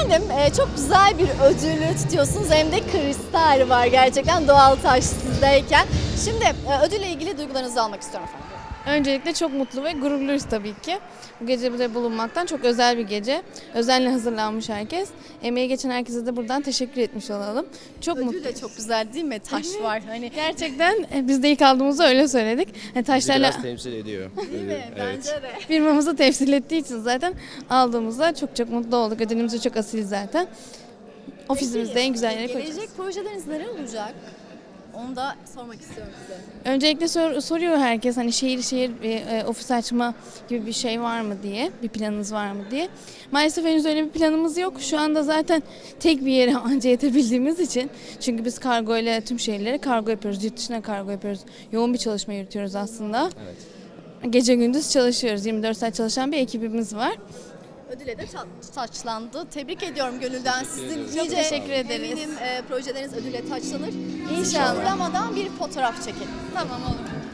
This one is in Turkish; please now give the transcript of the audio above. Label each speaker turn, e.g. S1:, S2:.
S1: Efendim çok güzel bir ödülü tutuyorsunuz. Hem de kristal var gerçekten doğal taş sizdeyken. Şimdi ödülle ilgili duygularınızı almak istiyorum efendim.
S2: Öncelikle çok mutlu ve gururluyuz tabii ki. Bu gece burada bulunmaktan çok özel bir gece. Özenle hazırlanmış herkes. Emeği geçen herkese de buradan teşekkür etmiş olalım. Çok
S1: Ödül
S2: mutluyuz.
S1: de çok güzel değil mi? Taş var. Hani
S2: Gerçekten biz de ilk aldığımızda öyle söyledik. Taşlarla
S3: Biraz temsil ediyor.
S1: değil mi? Bence de.
S2: firmamızı temsil ettiği için zaten aldığımızda çok mutlu olduk. Ödülümüz de çok asil zaten. Ofisimizde en güzel yere koyacağız.
S1: Gelecek projeleriniz neler olacak? Onu da sormak istiyorum size.
S2: Öncelikle soruyor herkes hani şehir ofis açma gibi bir şey var mı diye, bir planınız var mı diye. Maalesef henüz öyle bir planımız yok. Şu anda zaten tek bir yere anca yetebildiğimiz için. Çünkü biz kargo ile tüm şehirlere kargo yapıyoruz, yurt dışına kargo yapıyoruz. Yoğun bir çalışma yürütüyoruz aslında.
S3: Evet.
S2: Gece gündüz çalışıyoruz. 24 saat çalışan bir ekibimiz var.
S1: Ödüle de taçlandı. Tebrik ediyorum gönülden sizin.
S2: Çok teşekkür ederiz.
S1: Eminim projeleriniz ödüle taçlanır.
S2: İnşallah.
S1: Uğramadan bir fotoğraf çekelim.
S2: Tamam olur.